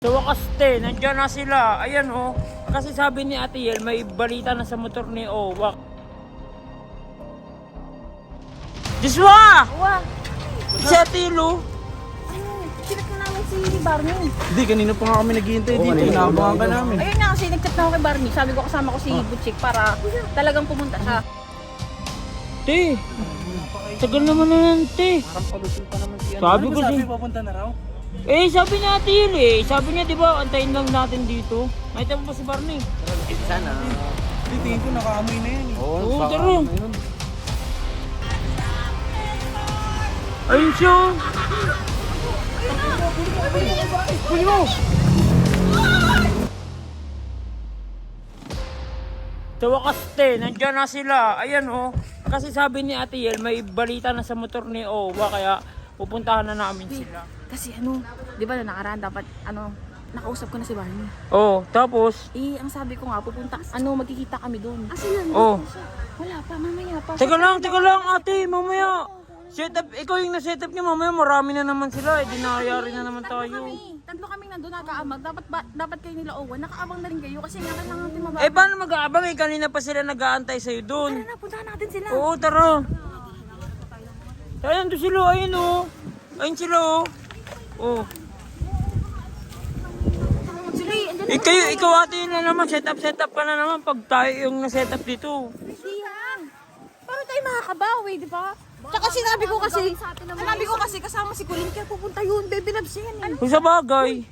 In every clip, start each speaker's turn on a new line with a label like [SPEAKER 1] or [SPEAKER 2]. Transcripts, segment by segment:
[SPEAKER 1] Sa wakas nandiyan na sila. Ayan oh. Kasi sabi ni Ate Yel, may balita na sa motor ni Owak. Joshua!
[SPEAKER 2] Wah!
[SPEAKER 1] Si Ate Lu.
[SPEAKER 2] Sinat na namin si Barney.
[SPEAKER 3] Hindi, kanina pa nga kami naghihintay dito. Inaabangan ka namin.
[SPEAKER 2] Ayun na kasi nag-chat na ako kay Barney. Sabi ko kasama ko si Butchik para talagang pumunta siya.
[SPEAKER 1] Te, tagal naman na yan, te.
[SPEAKER 3] Parang palusol pa naman siya.
[SPEAKER 1] Sabi ko
[SPEAKER 3] sabi
[SPEAKER 1] si-
[SPEAKER 3] papunta na raw?
[SPEAKER 1] Sabi ni Ate Yel Sabi niya, di ba, antayin lang natin dito. Nakita mo pa si Barney?
[SPEAKER 3] Sana. Hindi, tingin ko nakaamoy na yan.
[SPEAKER 1] Oo, tara. Ayun siya. Huli mo! Sa wakas nandiyan na sila. Ayan oh. Kasi sabi ni Ate Yel, may balita na sa motor ni Owa, kaya pupuntahan na namin sila.
[SPEAKER 2] Kasi di ba na nakaraan dapat nakausap ko na si Barney.
[SPEAKER 1] Oh, tapos?
[SPEAKER 2] Ang sabi ko nga pupunta, magkikita kami doon.
[SPEAKER 1] Oh.
[SPEAKER 2] Wala pa, mamaya pa.
[SPEAKER 1] Teka lang ate, mamaya. Setup, ikaw yung na-setup niya, mamaya marami na naman sila. Di nakayari na naman tayo.
[SPEAKER 2] Tatlo kaming nandun nakaamag. Dapat kayo nila Owen. Nakaabang na rin kayo kasi nga kailangan natin mababa.
[SPEAKER 1] Paano mag-aabang kanina pa sila nag-aantay sa'yo doon.
[SPEAKER 2] Tara na, puntahan natin sila.
[SPEAKER 1] Oo, tara. Ayun doon sila, ayun oh. Ayun sila oh. Oh. Ikaw ate yun na naman, setup pa na naman pag tayo yung na-setup dito.
[SPEAKER 2] Hindi yan. Paano tayo makakabawi, di ba? Tsaka sinabi ko kasi kasama si Colin kaya pupunta yun. Baby loves yan eh.
[SPEAKER 1] Kung sa bagay.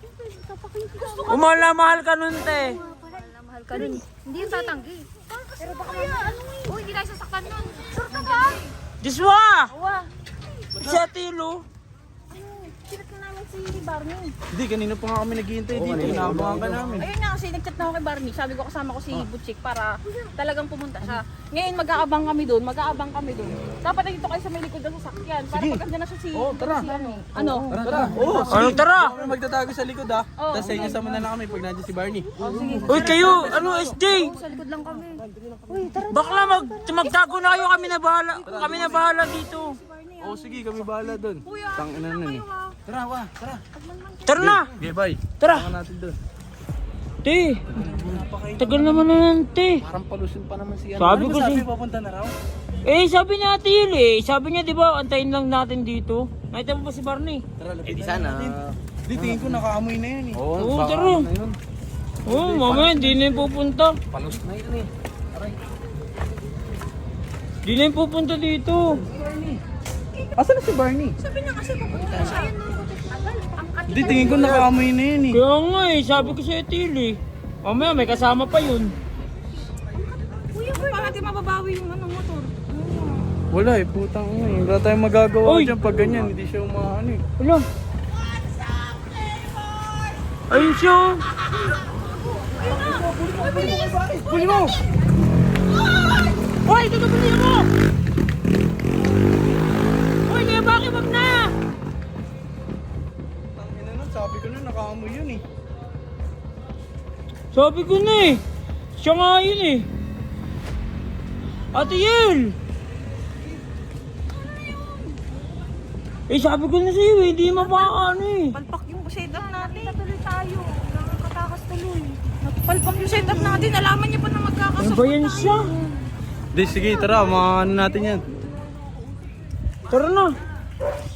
[SPEAKER 1] Mahal ka nun, te.
[SPEAKER 2] Mahal ka nun. Hindi yung tatanggi. Pero baka hindi tayo sasaktan nun. Sure ka ba?
[SPEAKER 1] Joshua!
[SPEAKER 2] Wah!
[SPEAKER 1] Si Ate Lu.
[SPEAKER 2] Sinat na namin si Barney.
[SPEAKER 3] Hindi, kanina pa nga kami naghihintay dito. Inaabangan ka namin.
[SPEAKER 2] Ayun na kasi nag-chat na ako kay Barney. Sabi ko kasama ko si Butchik para talagang pumunta siya. Ngayon mag-aabang kami doon. Dapat nandito kayo sa may likod ng sasakyan. Para pag andyan na siya si...
[SPEAKER 3] tara.
[SPEAKER 2] Ano?
[SPEAKER 3] Tara. Oo,
[SPEAKER 1] Ano, tara?
[SPEAKER 3] Kami magtatago sa likod ah. Tapos sa inyo sama na lang kami pag nandiyan si Barney.
[SPEAKER 1] Uy, kayo, SJ?
[SPEAKER 2] Sa likod lang kami. Uy, tara.
[SPEAKER 1] Bakla magtago na kayo, kami na bahala dito.
[SPEAKER 3] Oo, sige, kami bahala doon. Tangina nun eh. Tara, tara.
[SPEAKER 1] Tara na!
[SPEAKER 3] Okay, bye.
[SPEAKER 1] Tara!
[SPEAKER 3] Tama natin doon.
[SPEAKER 1] Te, tagal naman na yan, te.
[SPEAKER 3] Parang palusol pa naman siya.
[SPEAKER 1] Sabi ko
[SPEAKER 3] sabi
[SPEAKER 1] si-
[SPEAKER 3] papunta na raw?
[SPEAKER 1] Sabi ni Ate Yel Sabi niya, di ba, antayin lang natin dito. Nakita mo pa si Barney?
[SPEAKER 3] Tara, lapit sana. Hindi, tingin ko nakaamoy na yan eh.
[SPEAKER 1] Oo, tara. Oo, mamaya, hindi na yung pupunta.
[SPEAKER 3] Palus na yun eh. Aray.
[SPEAKER 1] Hindi na yung pupunta dito.
[SPEAKER 3] Asan na si Barney?
[SPEAKER 2] Sabi niya kasi pupunta siya.
[SPEAKER 3] Hindi, tingin ko nakaamoy na yun eh.
[SPEAKER 1] Kaya nga sabi ko si Ate Yel mamaya, may kasama pa yun.
[SPEAKER 2] Kuya, paano natin mababawi yung motor?
[SPEAKER 3] Wala eh, putang ina eh. Wala tayong magagawa
[SPEAKER 1] Uy!
[SPEAKER 3] dyan pag ganyan. Hindi siya umaano eh.
[SPEAKER 1] Wala. Ayun siya.
[SPEAKER 3] Huli mo!
[SPEAKER 1] Hoy, tutupulin mo! Hoy, kaya bakit wag na?
[SPEAKER 3] Tangina nun, sabi ko na nakaamoy yun eh.
[SPEAKER 1] Sabi ko na siya nga yun Ate Yel! Sabi ko na sa'yo hindi mapakaano
[SPEAKER 2] Palpak yung setup natin. Tuloy tayo. Nakakatakas tuloy. Palpak yung setup natin. Alaman niya pa na
[SPEAKER 1] Ano
[SPEAKER 2] magkakasupport
[SPEAKER 1] ba yan siya?
[SPEAKER 3] Di, sige, tara, ano natin yan.
[SPEAKER 1] Tara na.